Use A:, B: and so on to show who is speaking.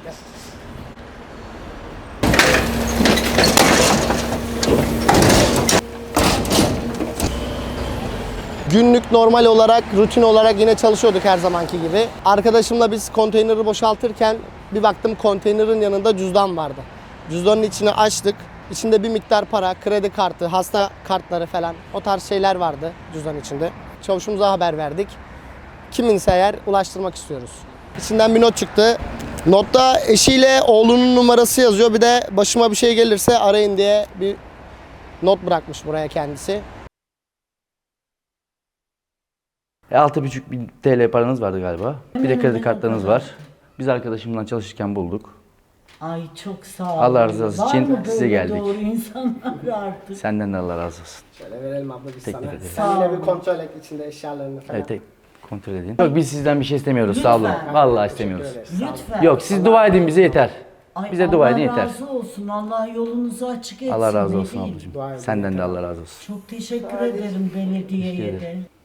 A: Günlük normal olarak, rutin olarak yine çalışıyorduk her zamanki gibi. Arkadaşımla biz konteyneri boşaltırken bir baktım konteynerin yanında cüzdan vardı. Cüzdanın içini açtık. İçinde bir miktar para, kredi kartı, hasta kartları falan o tarz şeyler vardı cüzdan içinde. Çavuşumuza haber verdik. Kiminse eğer ulaştırmak istiyoruz. İçinden bir not çıktı. Notta eşiyle oğlunun numarası yazıyor. Bir de başıma bir şey gelirse arayın diye bir not bırakmış buraya kendisi.
B: 6.500 TL paranız vardı galiba. Bir de kredi kartlarınız var. Biz arkadaşımla çalışırken bulduk.
C: Ay çok sağ olun.
B: Allah razı olsun.
C: Var
B: Için
C: mı
B: size
C: böyle
B: geldik.
C: doğru insanlar artık?
B: Senden de Allah razı olsun.
A: Şöyle verelim abla biz
B: Teklif
A: sana.
B: ederim.
A: Sen yine bir kontrol et içinde eşyalarını falan.
B: Evet, kontrol edin. Yok, biz sizden bir şey istemiyoruz. Sağ olun.
C: Lütfen.
B: Vallahi istemiyoruz.
C: Lütfen.
B: Yok, siz dua edin bize yeter.
C: Ay,
B: Bize dua edin yeter.
C: Allah razı olsun. Allah yolunuzu açık etsin.
B: Allah razı
C: ne
B: olsun
C: diyeyim.
B: ablacığım.
A: Dua edin.
B: Senden de Allah razı olsun.
C: Çok teşekkür ederim belediyeye de.